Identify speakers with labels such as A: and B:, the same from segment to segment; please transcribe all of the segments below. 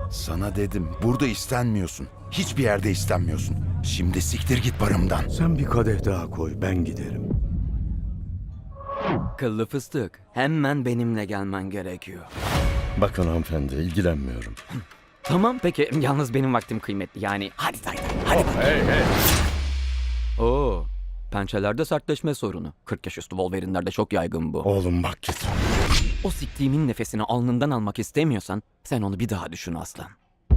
A: Sana dedim, burada istenmiyorsun. Hiçbir yerde istenmiyorsun. Şimdi siktir git barımdan.
B: Sen bir kadeh daha koy, ben giderim.
C: Kıllı fıstık, hemen benimle gelmen gerekiyor.
B: Bakın hanımefendi, ilgilenmiyorum.
C: Tamam peki, yalnız benim vaktim kıymetli. Yani hadi Taylan, hadi.
B: Hey hey!
C: Oo, pençelerde sertleşme sorunu. 40 yaş üstü Wolverine'lerde çok yaygın bu.
B: Oğlum bak git.
C: O siktiğimin nefesini alnından almak istemiyorsan sen onu bir daha düşün aslan.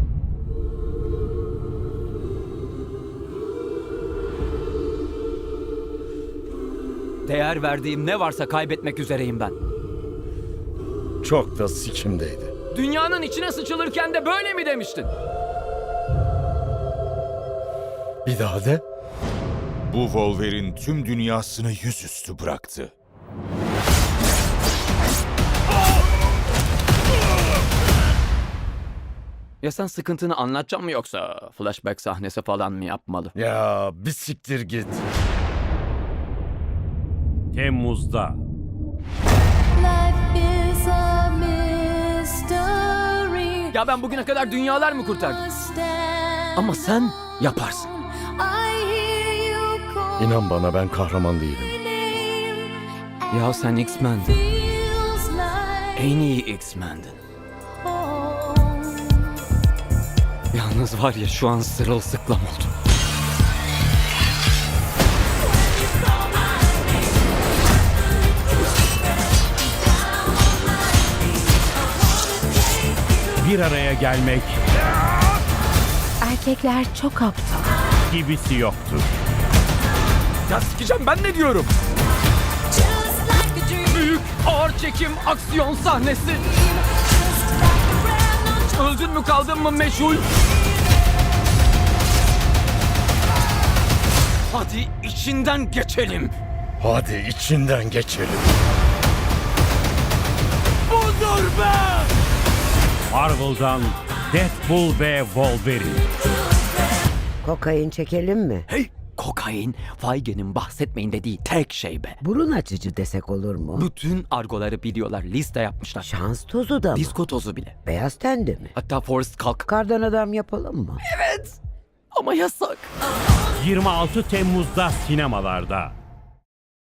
C: Değer verdiğim ne varsa kaybetmek üzereyim ben.
B: Çok da sikimdeydi.
C: Dünyanın içine sıçılırken de böyle mi demiştin?
B: Bir daha de.
D: Bu Wolverine tüm dünyasını yüzüstü bıraktı.
C: Ya sen sıkıntını anlatacak mı yoksa flashback sahnesi falan mı yapmalı?
B: Ya bir siktir git.
E: Temmuz'da.
F: Life is a mystery.
C: Ya ben bugüne kadar dünyalar mı kurtardım?
F: Stand.
C: Ama sen yaparsın.
F: I hear you call
B: İnan bana, ben kahraman değilim.
F: my name.
C: Ya sen X-Men'din.
F: Feels like
C: En iyi X-Men'din.
F: home.
C: Yalnız var ya şu an sırılsıklam oldum.
E: Bir araya gelmek
G: Erkekler çok aptal.
E: gibisi yoktur.
C: Ya sikeceğim ben ne diyorum?
F: Just like a dream.
C: Büyük ağır çekim aksiyon sahnesi. Öldün mü kaldın mı meşhur? Hadi içinden geçelim.
B: Hadi içinden geçelim.
C: Budur be!
E: Marvel'dan Deadpool ve Wolverine.
H: Kokain çekelim mi?
C: Hey! Kokain, Feige'nin bahsetmeyin dediği tek şey be.
H: Burun açıcı desek olur mu?
C: Bütün argoları biliyorlar, liste yapmışlar.
H: Şans tozu da mı?
C: Disko tozu bile.
H: Beyaz tende mi?
C: Hatta Forrest kalk.
H: Kardan adam yapalım mı?
C: Ama yasak.
E: 26 Temmuz'da sinemalarda.